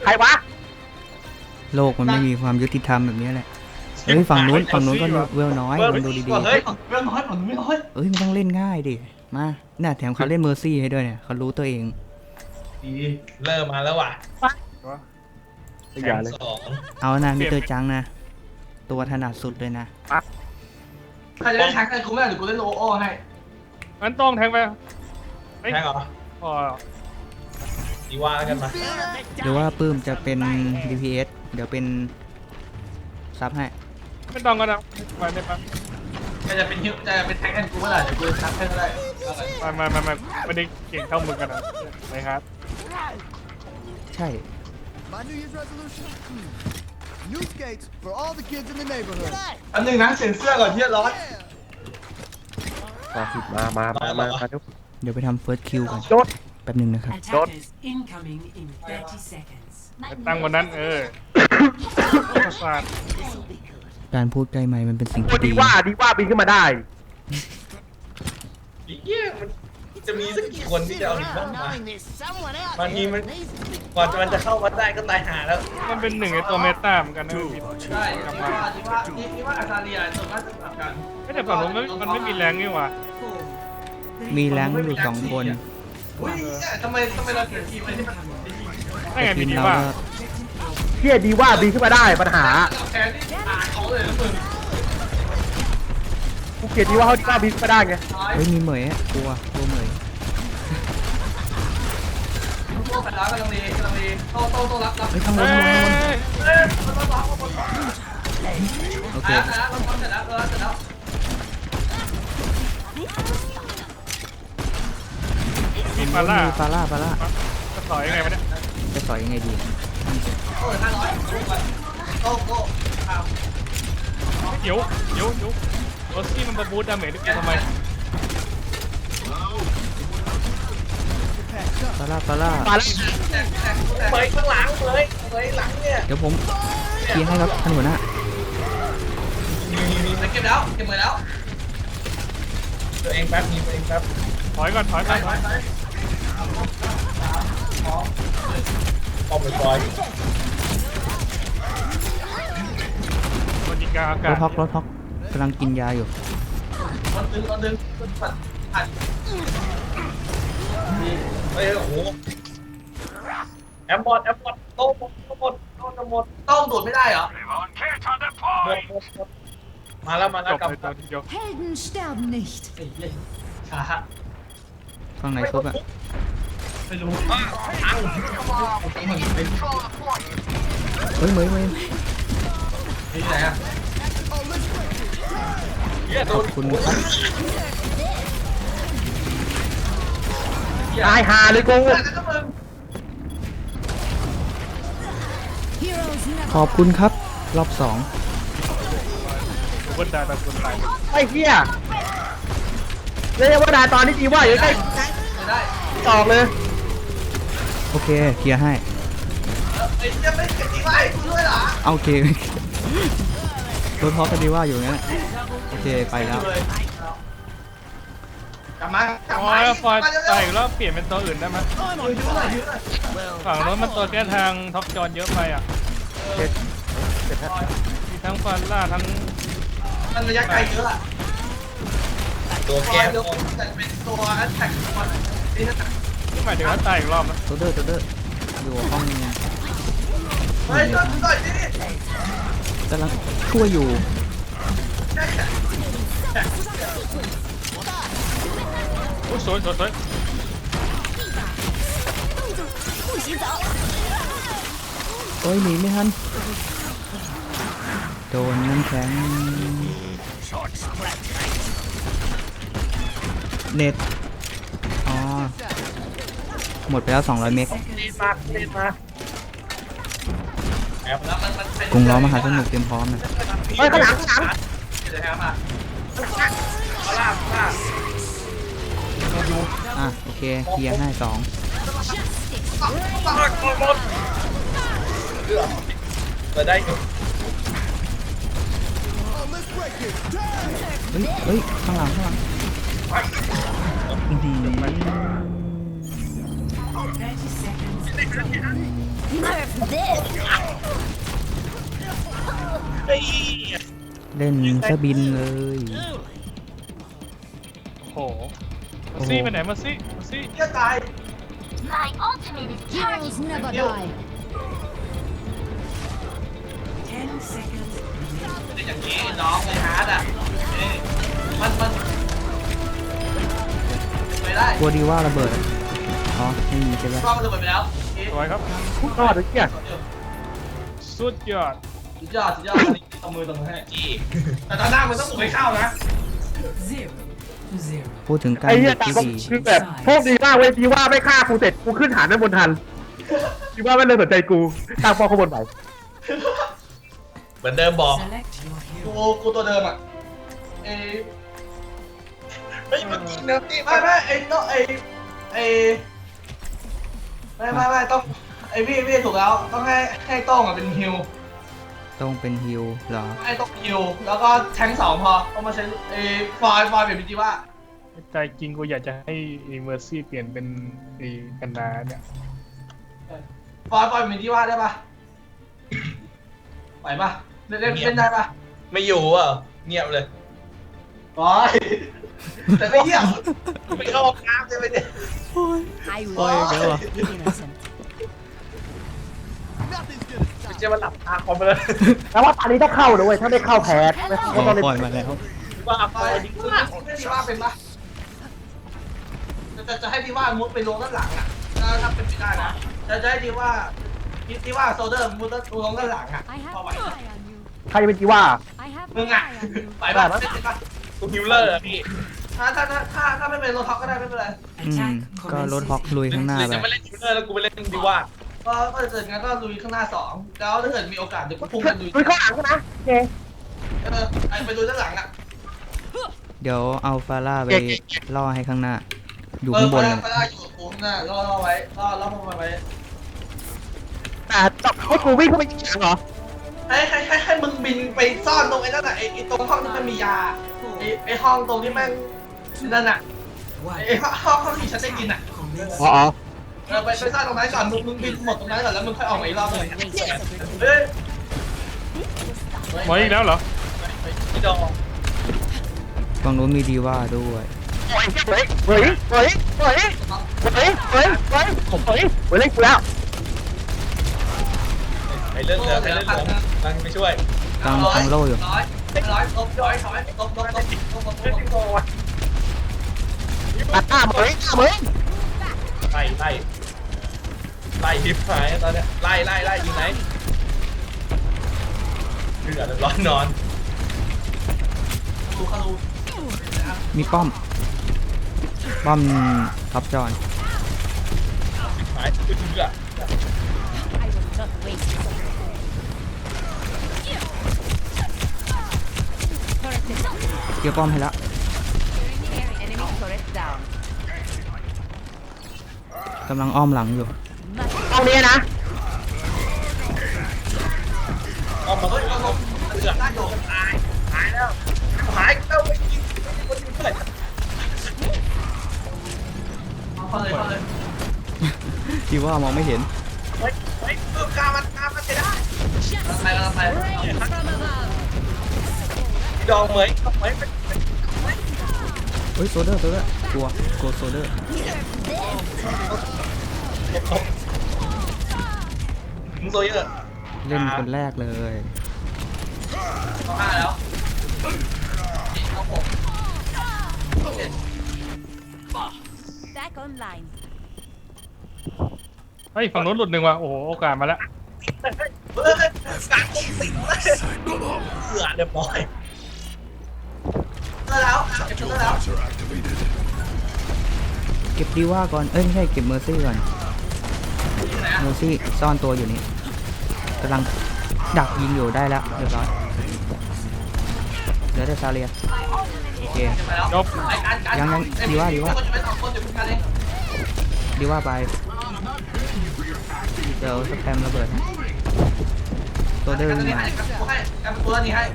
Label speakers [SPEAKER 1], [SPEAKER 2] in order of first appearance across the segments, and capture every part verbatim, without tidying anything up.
[SPEAKER 1] รวะ
[SPEAKER 2] โลกมันไม่มีความยุติธรรมแบบนี้แหละเฮ้ยฝั่งนู้นฝั่งนู้นก็เวลน้อยมันดูดีๆ
[SPEAKER 3] เฮ้ยเรื่องน้อยผมไม่น้อย
[SPEAKER 2] เอ้ยมันต้องเล่นง่ายดิมาน่าแถมเขาเล่นเมอร์ซี่ให้ด้วยเนี่ยเขารู้ตัวเอง
[SPEAKER 3] ดีเริ่มมาแล้วว่ะแข่งสอง
[SPEAKER 2] เอานะมิสเตอร์จังนะตัวถนัดสุดเลยนะ
[SPEAKER 3] ใครจะเล่นแท็กกันกูไม่ได้หรือกูเล่นโลโอให้
[SPEAKER 4] งั้นต้องแทงไป
[SPEAKER 3] แท็กเหรอ
[SPEAKER 4] พอ
[SPEAKER 3] ดีว่าแล้วกันมา
[SPEAKER 2] หรือว่าปื้มจะเป็น ดี พี เอส เดี๋ยวเป็นซับให้
[SPEAKER 4] ไม่ต้องก็ได้ไปได้ปะ
[SPEAKER 3] จะจะเป็นฮิวจะเป็นแท็กกันกูไม่ได้เดี๋ยวกูซับให้ก็ได้
[SPEAKER 4] มามามามาไม่ได้เก่งเท่ามึงกันนะเลยครับ
[SPEAKER 2] ใช่
[SPEAKER 5] My New Year's resolution? New skates for all the kids in the neighborhood.
[SPEAKER 3] อันหนึ่งนะเซ็นเสื้อก่อนที่จะร้อน
[SPEAKER 1] มามามามามาทุก
[SPEAKER 2] เดี๋ยวไปทำเฟิร์สคิวก่อนแป๊บนึงนะครับ
[SPEAKER 4] ตั้งวันนั้นเออประสาท
[SPEAKER 2] การพูดใกล้ไมค์มันเป็นสิ่งที่
[SPEAKER 1] ดีว่าดีว่าบินขึ้นมาได้
[SPEAKER 3] อีกเยี่ยมันจะมีสักกี่คนที่จะเอาดีว่ามาบางทีมันก่อนมันจะเข้ามาได้ก็ตายหาแล้ว
[SPEAKER 4] มันเป็นหนึ่งในตัวเมตาเหมือนกันนะพี่
[SPEAKER 3] ใช่ดีว่าดีว่าดีว่าอาซาเรียส่วนมากจะแบบกัน
[SPEAKER 4] ไม่แต่ฝั่งนู้นมันไม่มีแรงนี่หว่า
[SPEAKER 2] มีแรงอยู่สองคน
[SPEAKER 3] ทำไมทำไมเราเกิดทีมอะไรที่มัน
[SPEAKER 4] ไม่ไงมีดีว่า
[SPEAKER 1] เที่ยดีว่าบินขึ้นมาได้ปัญหา
[SPEAKER 3] แพ้ที่อ่านเขาเลยมึง
[SPEAKER 1] กูเกลียดดีว่าเขาดีว่าบินขึ้นมาได้ไง
[SPEAKER 2] เฮ้ยมีเหมยอ่ะกลัวกลัวเหมย
[SPEAKER 3] โต้กันแล้วกำลังดีกำลังดีโต้โต้โต้รับรับ
[SPEAKER 2] ไม่ต้องลงลงลงโอเค
[SPEAKER 3] เสร็จแล้วเสร็จแล้วเสร็จแล้ว
[SPEAKER 4] มีฟาร่า
[SPEAKER 2] ฟาร่าฟาร่า
[SPEAKER 4] จะต่อยยังไงวะเนี่ย
[SPEAKER 2] จะต่อยยังไงดี
[SPEAKER 3] โต้ห้าร้อยโต้โต้
[SPEAKER 4] เดี๋ยวเดี๋ยวเดี๋ยวโรซี่มันมาบูทดาเมจด้วยกันทำไม
[SPEAKER 2] ฟาร่าฟาร่า
[SPEAKER 1] ฟาร่า
[SPEAKER 3] เปิดข้างหลังเลยเปิดหลังเนี่ย
[SPEAKER 2] เดี๋ยวผมเคลียร์ให้ครับท่านหัวหน้า
[SPEAKER 3] เก็บแล้วเก็บหมดแล้วตัวเองแป๊บมีตัวเองแป๊บ
[SPEAKER 4] ถอยก่อนถอยก่อนถอย
[SPEAKER 3] ออกไปก่อน
[SPEAKER 4] มันยิงกาอากาศ
[SPEAKER 2] รถท็อกรถท็อกกำลังกินยาอยู่
[SPEAKER 3] มันดึงมันดึงมันปัดปัดเฮ้ยโอ้โหแอมบอดแอมบอดโต้หมดโต้หมดโต้จะหมดโต้โดดไม่ได้เหรอหมดหมดหมดมาแล้วมาแล้วกลับ
[SPEAKER 6] Helden sterben nicht
[SPEAKER 3] ช้า
[SPEAKER 2] ฝั่งไหนครบอ่ะ
[SPEAKER 3] ไม่รู้อ่ะทัง
[SPEAKER 2] เฮ้ยเหมยเหมย
[SPEAKER 3] นี่ไหนอ่ะ
[SPEAKER 2] ขอบคุณครับ
[SPEAKER 1] ตายหาเลยกู
[SPEAKER 2] ขอบคุณครับรอบสอง
[SPEAKER 4] วันดาตะกุนตาย
[SPEAKER 1] ไอ้เหี้ยเรียกว่าดาตอนนี้ดีว่าอยู่ใกล้ตอกเลย
[SPEAKER 2] โอเคเคลียร์ให้
[SPEAKER 3] ไอ้จะไม่เก็บดีไว้ด้วยเหรอ
[SPEAKER 2] โอเครถท็อกกันดีว่าอยู่งั้นโอเคไปแล้ว
[SPEAKER 3] กลับมากลับ
[SPEAKER 4] อ๋อ
[SPEAKER 3] มา
[SPEAKER 4] ฟอยตายอีกแล้วเปลี่ยนเป็นตัวอื่นได้ไหมฝั่งรถมันตัวแก้ทางท็อปจอนเยอะไปอ่ะมีทั้งฟาร่าทั้ง
[SPEAKER 3] มันระยะไกลเยอะอะตัวแก้ตัวแต่เป็นตัวแท็กมันนี่นะ
[SPEAKER 4] ที่หมายถึงว่าตายอีกรอบนะ
[SPEAKER 2] ตัวเดอร์ตัวเดอร์อยู่ห้อง
[SPEAKER 3] เฮ้ยตัวต่อยดิ
[SPEAKER 2] กำลังช่วยอยู่
[SPEAKER 4] โอ้สวยสวยสวย
[SPEAKER 2] โอ้ยหนีไม่ทันโดนน้ำแข็งเน็ตอ๋อหมดไปแล้วสองร้อยเมกกรุงล้อมหาสนุกเตรียมพร้อมนะ
[SPEAKER 1] เฮ้ยข้างหลังข้างหลัง
[SPEAKER 2] อ่ะโอเคเคลียร์ให้สอง
[SPEAKER 3] เปิดได้
[SPEAKER 2] เฮ้ยเฮ้ยข้างหลังข้างหลังดี
[SPEAKER 6] Nerf this
[SPEAKER 2] เล่นซะบินเลย
[SPEAKER 4] โอ้โหมาซี่ไปไหนมาซี่มาซี่
[SPEAKER 3] เหี้ยตาย
[SPEAKER 6] My ultimate is Heroes never die.
[SPEAKER 3] เป็นอย่างนี้น้องไอ้ฮาร์ดอ่ะเอ้ยมันมันไปได้
[SPEAKER 2] กลัวดีว่าระเบิดอะอ๋อไม่มีใช่ไหม
[SPEAKER 3] ก็มันระเบิดไปแล้วเอ๊ะ
[SPEAKER 4] สวยครับ
[SPEAKER 1] พูดรอดเลยเนี่ย
[SPEAKER 4] สุดยอด
[SPEAKER 3] สุดยอดสุดยอดอันนี้ตบมือตบมือให้จีแต่ตอนหน้ามันต้องบุกให้เข้านะ
[SPEAKER 2] พูดถึงการ
[SPEAKER 1] ไอ้เหี้
[SPEAKER 2] เด็
[SPEAKER 1] ย
[SPEAKER 2] ก
[SPEAKER 1] แต่
[SPEAKER 2] ที่
[SPEAKER 1] ก็
[SPEAKER 2] ดี
[SPEAKER 1] คือแบบโชคดีมากเว้ยดีว่าไม่ฆ่ากูเสร็จกูขึ้นฐานด้านบนทันดีว่าไม่เลยสนใจกูตั้งป้อมข้างบนไป
[SPEAKER 3] เหมือนเดิมบอกกูกูตัวเดิมอ่ะเอไม่เมื่อกี้เนอะนี่ไม่ไม่ไอ้ต้องไอ้ไอ้ไม่ไม่ไม่ต้องไอ้พี่พี่ถูกแล้วต้องให้ให้ต้องอ่ะเป็นฮิว
[SPEAKER 2] ต้องเป็นฮิลเหรอ
[SPEAKER 3] ให้ต้องฮิวแล้วก็แทงสองพอต้องมาใช้ไอ้ฟอยฟอยเปลี่ยนเป็นจีว่า
[SPEAKER 4] ใจจริงกูอยากจะให้เมอร์ซี่เปลี่ยนเป็นไอ้กันนาเนี่ย
[SPEAKER 3] ฟอยฟอยเป็นจีว่าได้ปะไหวปะเล่นเล่นเล่นได้ปะ
[SPEAKER 7] ไม่อยู่อ่ะเงียบเลย
[SPEAKER 3] ฟอยแต่ไม่เยี่ยมไม่เข้าห้องน้ำใช่ไหมเนี่ย
[SPEAKER 6] I
[SPEAKER 2] Oh,
[SPEAKER 6] will
[SPEAKER 2] yeah, go on.
[SPEAKER 6] be innocent.
[SPEAKER 5] Nothing's gonna
[SPEAKER 3] ไม่
[SPEAKER 5] stop.
[SPEAKER 3] ใช่ว่าหลับตาคอมไปเลย
[SPEAKER 1] แล้วว่าตอนนี้ถ้าเข้านะเว้ยถ้าได้เข้าแพ้ไม่
[SPEAKER 2] อ๋
[SPEAKER 1] ไม่
[SPEAKER 2] อ
[SPEAKER 1] ต้องเล่น
[SPEAKER 2] ปล่อยมาแล้ว
[SPEAKER 3] ว่าฟอยดีว่าไม่ดีว่าเป็นปะจะจะให้ดีว่ามุดไปลงด้านหลังอ่ะถ้าเป็นไปได้นะจะจะให้ดีว่าดีว่าโซเดอร์มุดลงด้านหลังอ่ะ
[SPEAKER 6] I have
[SPEAKER 3] พอไหว
[SPEAKER 6] my eye on you.
[SPEAKER 1] ใครเป็นจีว่า
[SPEAKER 6] I have
[SPEAKER 3] มึ
[SPEAKER 6] my
[SPEAKER 3] งอ่ะ
[SPEAKER 6] eye on you.
[SPEAKER 3] ไหวปะเล่นปะ
[SPEAKER 7] กูฮิวเลอร์อะพี่
[SPEAKER 3] ถ้าถ้าถ้าถ้าถ้าไม่เป็นโรท็อกก็ได้ไม่เป็นไร
[SPEAKER 2] อืมก็รถฮอกลุยข้างหน้า
[SPEAKER 7] หรือ
[SPEAKER 2] ไป
[SPEAKER 7] จะไม่เล่นฮิวเลอร์แล้วกูไปเล่นดีว่า
[SPEAKER 3] ก็ก็เกิดงั้นก็ลุยข้างหน้าสองแล้วถ้าเกิดมีโอกาสเดี๋ยวก็พุ่ง
[SPEAKER 1] คุ
[SPEAKER 3] กันลุย
[SPEAKER 1] ยเข้าหลังกูนะโอเค
[SPEAKER 3] เออไอไปลุยด้านหลังอ่ะ
[SPEAKER 2] เดี๋ยวเอาฟาร่าไปล่อให้ข้างหน้า อยู่
[SPEAKER 3] เออ
[SPEAKER 2] ข้างบ
[SPEAKER 3] ไป
[SPEAKER 2] น
[SPEAKER 3] ได้
[SPEAKER 2] เลย
[SPEAKER 3] ไปได้อยู่กับกูข้างหน้ารอรอไว้รอรอพวกมันไว้
[SPEAKER 1] แต่จับให้กูวิ่งเข้าไปยิงเหรอ
[SPEAKER 3] ให้ให้ให้ให้มึงบินไปซ่อนตรงไอ้นั่นน่ะไอ้ไอ้ตรงห้องที่มันมียาไอ้ไอ้ห้องตรงที่แม่งนั่นน่ะไอ้ห้องห้องห้องที่ฉันได้กินอ่ะ
[SPEAKER 1] อ๋ออ๋อ
[SPEAKER 3] เออไปไปซ่อนตรงนั้นก่อนมึงมึงบินหมดตรงนั้นก่อนแล้วมึงค่อยออกมาอีกรอบหนึง
[SPEAKER 6] Race is a
[SPEAKER 3] เฮ้ย
[SPEAKER 4] หมออีกแล้วเหรอ
[SPEAKER 3] พี่ดอง
[SPEAKER 2] ฝั่งนู้นมีดีว่าด้วย
[SPEAKER 1] เฮ้ยเฮ้ยเฮ้ยเฮ้ยเฮ้ยเฮ้ยเฮ้ยเฮ้ยผมเฮ้ยเฮ้ยเล่นกูแล้ว
[SPEAKER 7] ไปเรื่องเหลือไปเรื่องเหลือนั่งไปช่วย
[SPEAKER 2] กลางกลางโล่อยู่
[SPEAKER 3] ร้อยร้อยลบร้อยถอยลบลบลบลบลบลบลบ
[SPEAKER 1] ตัดหน้ามึงเฮ้ยหน้ามึง
[SPEAKER 7] ไล่ไล่ไล่ทิพหายตอนเนี้ยไล่ไล่ไล่ยิงไหนเหลือเรียบร้อยนอน
[SPEAKER 3] ดูคารู
[SPEAKER 2] มีป้อม ป้อมท็อปจอน
[SPEAKER 7] หายคือเหลือ
[SPEAKER 6] I will not waste it. Turret is up.
[SPEAKER 2] เกี่ยวป้อมให้แล้ว
[SPEAKER 6] Enemy turret down.
[SPEAKER 2] กำลังอ้อมหลังอยู่
[SPEAKER 1] ตรงนี้นะ
[SPEAKER 7] ออกมาเฮ้ยเอาลงเหลือได้โดนตายหายแล้วหายแล้วไปยิงคนยิงเพื่อน
[SPEAKER 3] เข้าเลยเข้าเลย
[SPEAKER 2] ดีว่ามองไม่เห็น
[SPEAKER 7] เฮ้ยเฮ้ยเพิ่มกามันกามันจะได้
[SPEAKER 3] กำลังไปกำลังไป
[SPEAKER 6] Rain from above.
[SPEAKER 7] ดองเหมยเหมยเป็น
[SPEAKER 2] เฮ้ยโซเดอร์โซเดอร์กลัวกลัวโซเดอร์
[SPEAKER 7] มึงโซเยอะ
[SPEAKER 2] เล่นคนแรกเลย
[SPEAKER 3] เข้าห้าแล้วเข้าหก
[SPEAKER 6] Back online.
[SPEAKER 4] เฮ้ยฝั่งนู้นหลุดหนึ่งว่ะโอ้โหโอกาสมาแล้ว
[SPEAKER 3] เฮ้ยการตกติดเลย
[SPEAKER 7] เหลือเรียบร้อย
[SPEAKER 3] เจอแล้วเก็บเจอแล้ว
[SPEAKER 2] เก็บดีว่าก่อน เอ้ยไม่ใช่เก็บเมอร์ซี่ก่อน
[SPEAKER 3] อยู่ไหน
[SPEAKER 2] เมอร์ซี่ซ่อนตัวอยู่นี่กำลังดักยิงอยู่ได้แล้วเรียบร้อยเหลือแต่ซาเลียโอเค
[SPEAKER 3] ไปแล้ว
[SPEAKER 4] จบ
[SPEAKER 3] ไอ้การการ
[SPEAKER 2] ยังยังดีว่าดีว่า
[SPEAKER 3] คนจะไปสองคนอยู่กันเอง
[SPEAKER 2] ดีว่าไป เดี๋ยวสแปมระเบิดให้โซเดอร์
[SPEAKER 3] กัน
[SPEAKER 2] วิ่ง
[SPEAKER 3] นี่
[SPEAKER 2] มา
[SPEAKER 3] ให้กันกูให้กันกูแล้วนี่ให้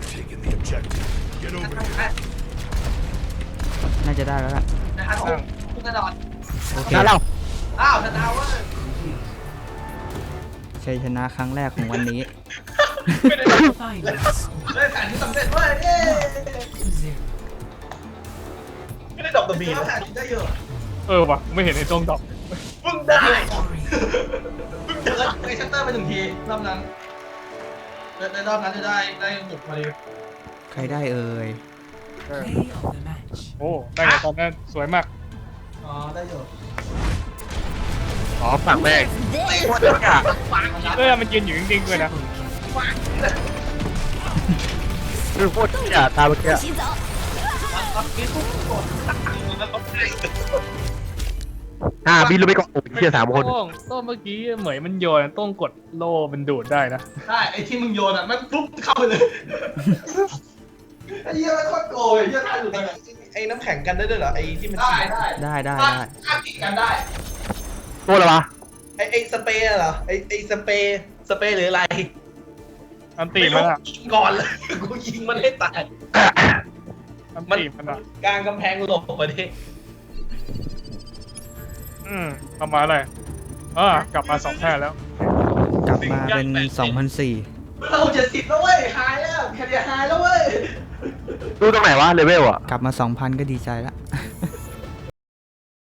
[SPEAKER 3] ให้
[SPEAKER 2] น่าจะได้แล้วล่ะ
[SPEAKER 3] นะครับผมกูกระโดด
[SPEAKER 2] โอเค
[SPEAKER 1] แล้วเรา
[SPEAKER 3] อ้าวชนะเว้ย
[SPEAKER 2] ชัยชนะครั้งแรกของวันนี้
[SPEAKER 3] ไม่ได้ได้แผนที่สำเร็จเว้ยเย้ไม่ได้ดอกตัวบีนะแผนที่ได้เยอะ
[SPEAKER 4] เออวะไม่เห็นไอ้ตรงดอก
[SPEAKER 3] มึงได้มึงเจอไอ้ชัตเตอร์ไปหนึ่งทีรอบนั้นในรอบนั้นจะได้ได้บุกมาดิ
[SPEAKER 2] ใครได้เอ่ย
[SPEAKER 4] โอ้ได้ไงตอนนั้นสวยมาก
[SPEAKER 3] อ๋อได้เยอะ
[SPEAKER 1] อ๋อฝั่งแม่ง
[SPEAKER 6] This
[SPEAKER 1] โคตรเหี้ย
[SPEAKER 4] เออมันยืนอยู่จริงๆเลยนะ
[SPEAKER 1] คือโคตรเหี้ยตามเมื่อกี้
[SPEAKER 6] 洗澡。
[SPEAKER 1] อ่าบินลงไปก่อนโอ้ยเหี้ยสามคน
[SPEAKER 4] โต้งโต้งเมื่อกี้เหมยมันโยนโต้งกดโล่มันดูดได้นะ
[SPEAKER 3] ได้ไอ้ที่มึงโยนอ่ะมันปุ๊บเข้าไปเลยไอ้เหี้ยมันโคตรโกยไอ้เหี้ยท่าอยู่ตรงนั้นไอ้น้ำแข็งกันได้ด้วยเหรอไอ้ที่มันได้ได้
[SPEAKER 2] ได้ได้ได้
[SPEAKER 3] ถ้ากินกันได้
[SPEAKER 1] ตัวอะไรวะ
[SPEAKER 3] ไอ้ไอ้สเปรย์เหรอไอ้ไอ้สเปรย์สเปรย์หรืออะไร
[SPEAKER 4] อันตีมันอะ
[SPEAKER 3] ยิงก่อนเลยกูยิงมันให้ตาย
[SPEAKER 4] อัน
[SPEAKER 3] มัน
[SPEAKER 4] ตีมันอะ
[SPEAKER 3] กลางกำแพงหลบมาดิ
[SPEAKER 4] อืมทำมาอะไรอ่ากลับมาสองแพ้แล้ว
[SPEAKER 2] กลับมาเป็นสองพันสี่
[SPEAKER 3] เราเจ็ดสิบแล้วเว้ยหายแล้วแค่เดียวหายแล้วเว้ย
[SPEAKER 1] ดูตรงไหนวะเลเวลอ่ะ
[SPEAKER 2] กลับมาสองพันก็ดีใจละ